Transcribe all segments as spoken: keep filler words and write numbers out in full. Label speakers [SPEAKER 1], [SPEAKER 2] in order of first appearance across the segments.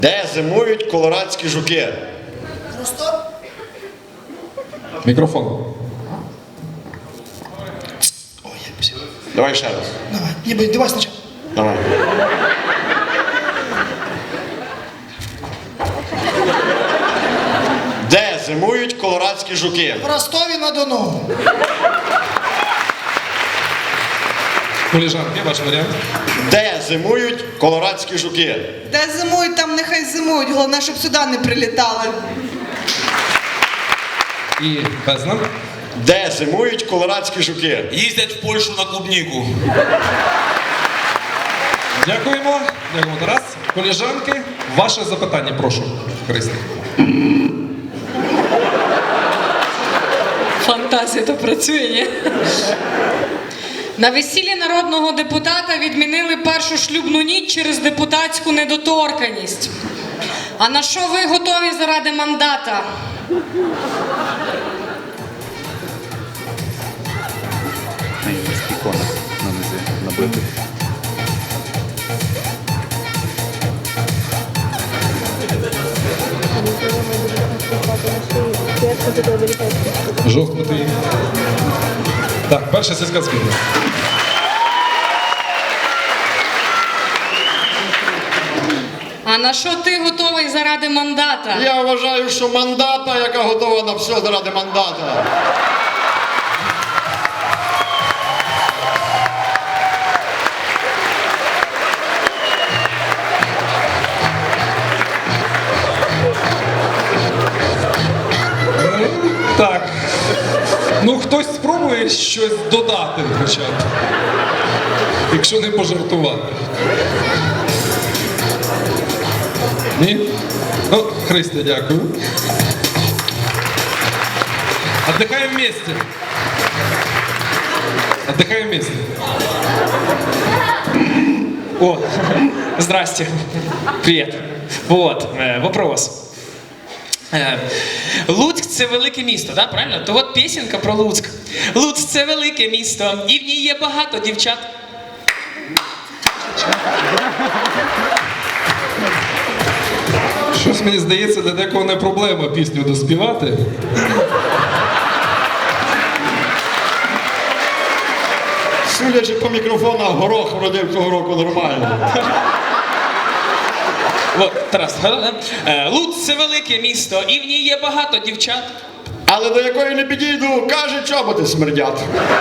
[SPEAKER 1] Де зимують колорадські жуки?
[SPEAKER 2] Ростов?
[SPEAKER 3] Мікрофон.
[SPEAKER 1] Ой, я писав. Давай ще раз.
[SPEAKER 2] Давай, ніби, давай спочатку.
[SPEAKER 1] Давай. Де зимують колорадські жуки?
[SPEAKER 2] В Ростові-на-Дону.
[SPEAKER 3] Коліжанки, ваш варіант.
[SPEAKER 1] Де зимують колорадські жуки?
[SPEAKER 4] Де зимують, там нехай зимують. Головне, щоб сюди не прилітали.
[SPEAKER 3] І безнам.
[SPEAKER 1] Де зимують колорадські жуки?
[SPEAKER 5] Їздять в Польщу на клубніку.
[SPEAKER 3] Дякуємо. Дякуємо, Тарас. Коліжанки, ваше запитання, прошу. Христя.
[SPEAKER 6] Фантазія то працює, ні? На весіллі народного депутата відмінили першу шлюбну ніч через депутатську недоторканність. А на що ви готові заради мандата?
[SPEAKER 7] На індійський конах на низі набитих.
[SPEAKER 3] Жовтнутий. Так, перша сільська збірна.
[SPEAKER 6] А на що ти готовий заради мандата?
[SPEAKER 1] Я вважаю, що мандата, яка готова на все заради мандата.
[SPEAKER 3] Так. Ну, хтось спробує щось додати хоча б. Якщо не пожартувати. Ні? Ну, Христя, дякую. Отдыхаем вместе. Отдыхаем вместе.
[SPEAKER 8] О, здрасте. Привет. Вот, э, вопрос. Е, Луцьк – це велике місто, да, правильно? То от пісенька про Луцьк. Луцьк – це велике місто, і в ній є багато дівчат.
[SPEAKER 3] Щось мені здається, для декого не проблема пісню доспівати.
[SPEAKER 1] Судячи по мікрофонах, горох вродив цього року нормально.
[SPEAKER 8] От, Тарас, да? Е, Луцьк – це велике місто, і в ній є багато дівчат.
[SPEAKER 1] Але до якої не підійду, каже, чоботи смердять.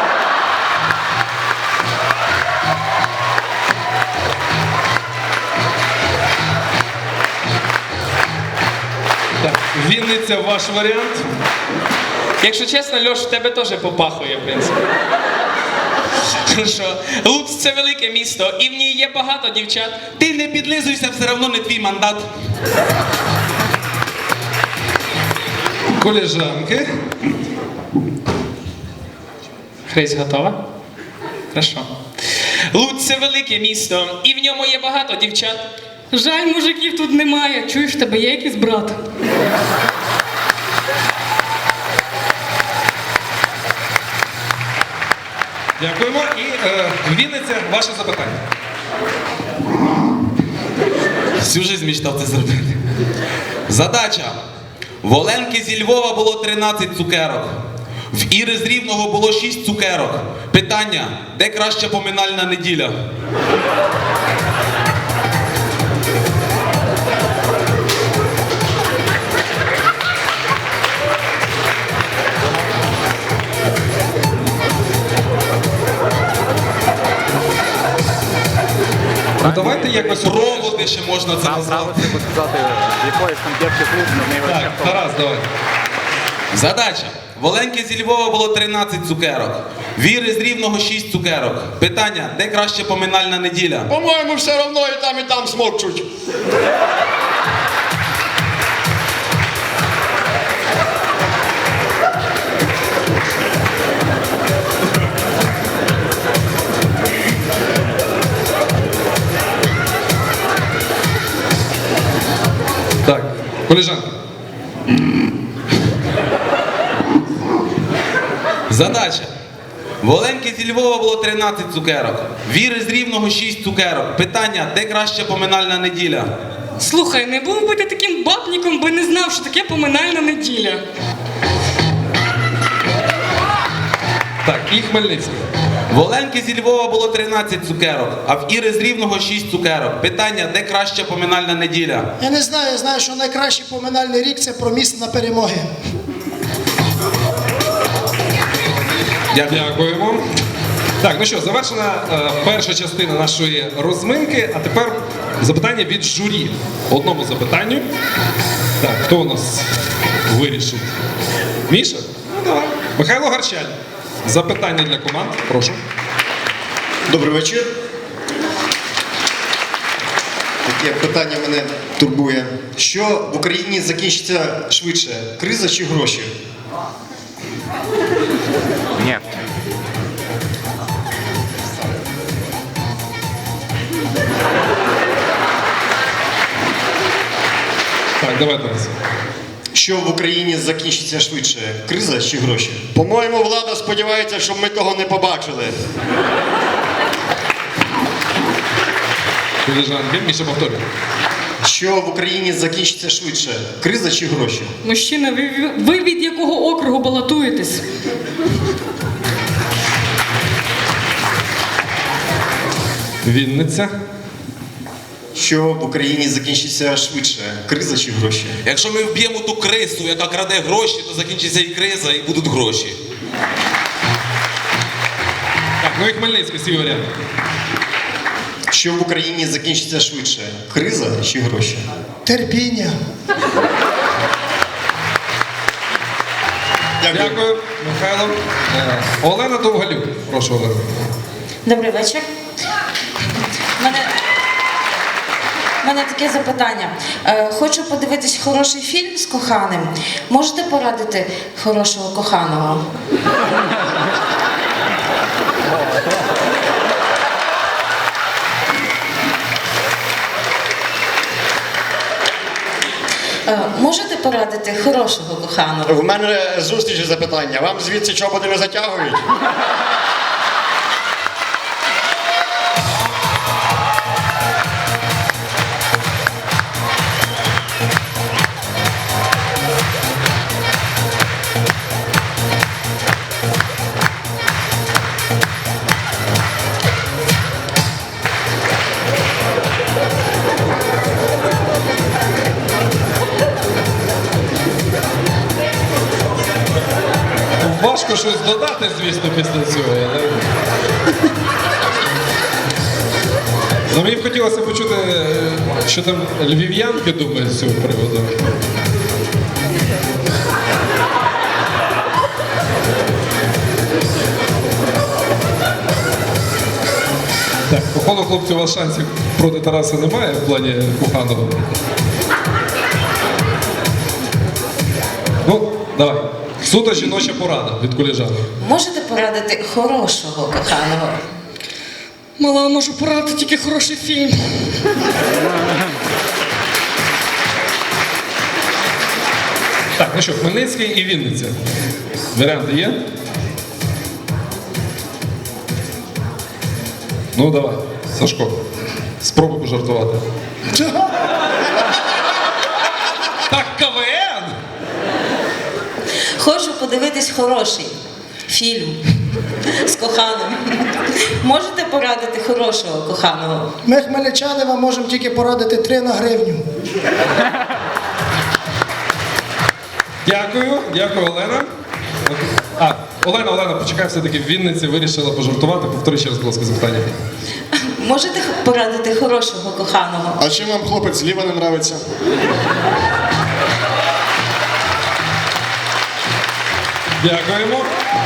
[SPEAKER 3] Так, Вінниця, ваш варіант.
[SPEAKER 8] Якщо чесно, Льош, в тебе теж попахує, в принципі. Хорошо. Луцьк – це велике місто, і в ній є багато дівчат.
[SPEAKER 5] Ти не підлизуйся, все одно не твій мандат.
[SPEAKER 3] Коліжанки.
[SPEAKER 8] Хресть готова? Хорошо. Луцьк – це велике місто, і в ньому є багато дівчат.
[SPEAKER 6] Жаль, мужиків тут немає. Чуєш, в тебе є якийсь брат?
[SPEAKER 3] Дякуємо. І е, Вінниця, ваше запитання.
[SPEAKER 5] Всю жизнь мечтав це зробити. Задача. В Оленки зі Львова було тринадцять цукерок. В Іри з Рівного було шість цукерок. Питання. Де краща поминальна неділя?
[SPEAKER 3] Ну давайте якось...
[SPEAKER 5] Проводи ще можна це назвати.
[SPEAKER 7] Право треба сказати, з якоїсь конкретки клуб, на неї
[SPEAKER 3] Так, Тарас, давай.
[SPEAKER 5] Задача. В Оленки зі Львова було тринадцять цукерок. В Іри з Рівного шість цукерок. Питання. Де краща поминальна неділя?
[SPEAKER 1] По-моєму, все одно і там, і там смокчуть.
[SPEAKER 3] Так, коліжанки.
[SPEAKER 5] Задача. В Оленки зі Львова було тринадцять цукерок. В Іри з Рівного шість цукерок. Питання, де краща поминальна неділя?
[SPEAKER 6] Слухай, не був би ти таким бабніком, би не знав, що таке поминальна неділя.
[SPEAKER 3] Так, і Хмельницький.
[SPEAKER 5] В Оленки зі Львова було тринадцять цукерок, а в Іри з Рівного шість цукерок. Питання, де краща поминальна неділя?
[SPEAKER 2] Я не знаю, я знаю, що найкращий поминальний рік це про міст на перемоги.
[SPEAKER 5] Дякую.
[SPEAKER 3] Дякуємо. Так, ну що, завершена е, перша частина нашої розминки, а тепер запитання від журі. Одному запитанню. Так, хто у нас вирішить? Міша? Ну, давай. Михайло Гарчаль. Запитання для команд, прошу.
[SPEAKER 9] Добрий вечір. Таке питання мене турбує. Що в Україні закінчиться швидше? Криза чи гроші?
[SPEAKER 7] Ні.
[SPEAKER 3] Так, давай Тарас.
[SPEAKER 9] Що в Україні закінчиться швидше? Криза чи гроші?
[SPEAKER 1] По-моєму, влада сподівається, щоб ми того не побачили.
[SPEAKER 3] Колежанки, Міша повторює.
[SPEAKER 9] Що в Україні закінчиться швидше? Криза чи гроші?
[SPEAKER 6] Мужчина, ви, ви від якого округу балотуєтесь?
[SPEAKER 3] Вінниця.
[SPEAKER 9] Що в Україні закінчиться швидше? Криза чи гроші?
[SPEAKER 5] Якщо ми вб'ємо ту крису, яка краде гроші, то закінчиться і криза, і будуть гроші.
[SPEAKER 3] Так, ну і Хмельницький, свій варіант.
[SPEAKER 9] Що в Україні закінчиться швидше? Криза чи гроші?
[SPEAKER 2] Терпіння.
[SPEAKER 3] Дякую, Михайло. Е, Олена Довгалюк. Прошу, Олена.
[SPEAKER 10] Добрий вечір. У мене, у мене таке запитання. Е, хочу подивитись хороший фільм з коханим. Можете порадити хорошого коханого? Е, можете порадити хорошого коханого?
[SPEAKER 1] В мене зустріч і запитання. Вам звідси чоботи не затягують?
[SPEAKER 3] Важко щось додати, звісно, після цього. Але... Ну, мені б хотілося почути, що там львів'янки думають з цього приводу. Так, походу, хлопці, у вас шансів проти Тараса немає в плані коханого. Ну, давай. Суто жіноча порада від колежанок.
[SPEAKER 10] Можете порадити хорошого коханого?
[SPEAKER 6] Мала, можу порадити тільки хороший фільм.
[SPEAKER 3] Так, ну що, Хмельницький і Вінниця. Варіанти є? Ну, давай, Сашко, спробуй пожартувати. Так, КВН!
[SPEAKER 10] Хочу подивитись хороший фільм з коханим. Можете порадити хорошого коханого?
[SPEAKER 2] Ми, хмельничани, вам можемо тільки порадити три на гривню.
[SPEAKER 3] Дякую, дякую, Олена. А, Олена, Олена, почекай, все-таки в Вінниці вирішила пожартувати. Повтори ще раз, будь ласка, запитання.
[SPEAKER 10] Можете порадити хорошого коханого?
[SPEAKER 1] А чим вам хлопець зліва не нравиться?
[SPEAKER 3] Дякуємо.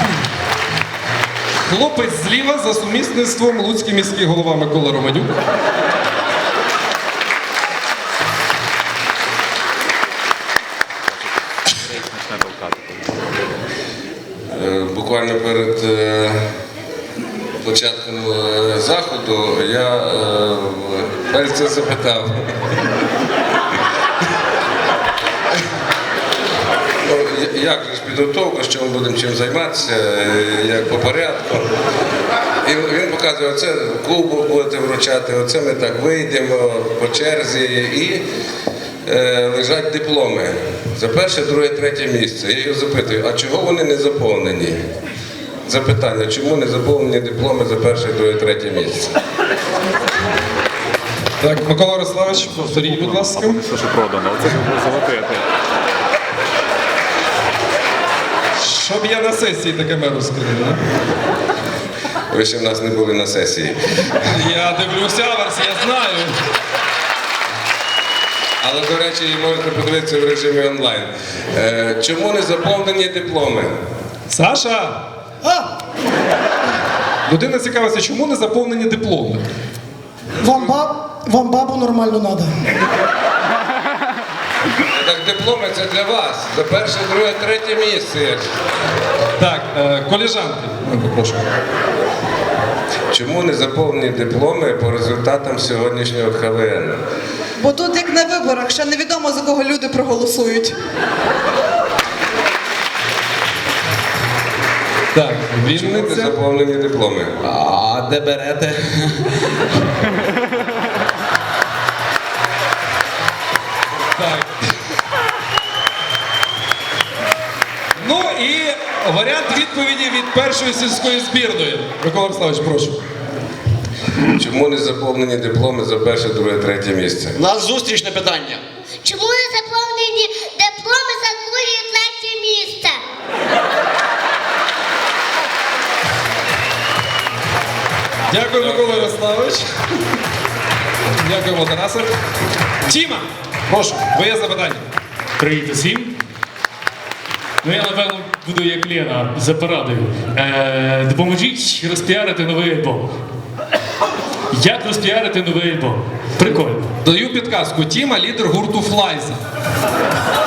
[SPEAKER 3] Хлопець зліва за сумісництвом луцький міський голова Микола Романюк.
[SPEAKER 11] Буквально перед е, початком е, заходу я е, перш це запитав. Ну, як же ж підготовка, що ми будемо чим займатися, е, як по порядку. І він показує, оце кубок будете вручати, оце ми так вийдемо по черзі і е, лежать дипломи. За перше, друге, третє місце. Я його запитую, а чого вони не заповнені? Запитання, чому не заповнені дипломи за перше, друге, третє місце?
[SPEAKER 3] Так, Микола Ярославович, повторіть, будь ласка.
[SPEAKER 7] Все, що продано, оце золоте.
[SPEAKER 3] Щоб я на сесії таке меру скинув, да?
[SPEAKER 11] Ви ще в нас не були на сесії.
[SPEAKER 3] Я дивлюся аверс, я знаю.
[SPEAKER 11] Але, до речі, можете подивитися в режимі онлайн. Е, чому не заповнені дипломи?
[SPEAKER 3] Саша!
[SPEAKER 2] А,
[SPEAKER 3] Людина цікавиться, чому не заповнені дипломи?
[SPEAKER 2] вам, баб, вам бабу нормально треба.
[SPEAKER 11] Так дипломи це для вас. За перше, друге, третє місце.
[SPEAKER 3] Так, е, коліжанки, ну, попрошу.
[SPEAKER 11] Чому не заповнені дипломи по результатам сьогоднішнього ка ве ен?
[SPEAKER 4] Бо тут як на виборах, ще невідомо за кого люди проголосують.
[SPEAKER 3] Так,
[SPEAKER 11] Чому не
[SPEAKER 3] Вінниця.
[SPEAKER 11] заповнені дипломи?
[SPEAKER 5] А де берете?
[SPEAKER 3] Так. Ну і варіант відповіді від першої сільської збірної. Микола Ярославович, прошу.
[SPEAKER 11] Чому не заповнені дипломи за перше, друге, третє місце?
[SPEAKER 1] У нас зустрічне питання.
[SPEAKER 12] Чому не заповнені дипломи за друге і третє місце?
[SPEAKER 3] Дякую, Микола Ярославович. Дякуємо, Тарасе. Тіма, прошу, твоє запитання.
[SPEAKER 13] Привіт усім. Ну я напевно буду як Лена за порадою. Е, допоможіть розпіарити новий альбом. Як розпіарити новий альбом? Прикольно.
[SPEAKER 3] Даю підказку. Тіма – лідер гурту Флайза.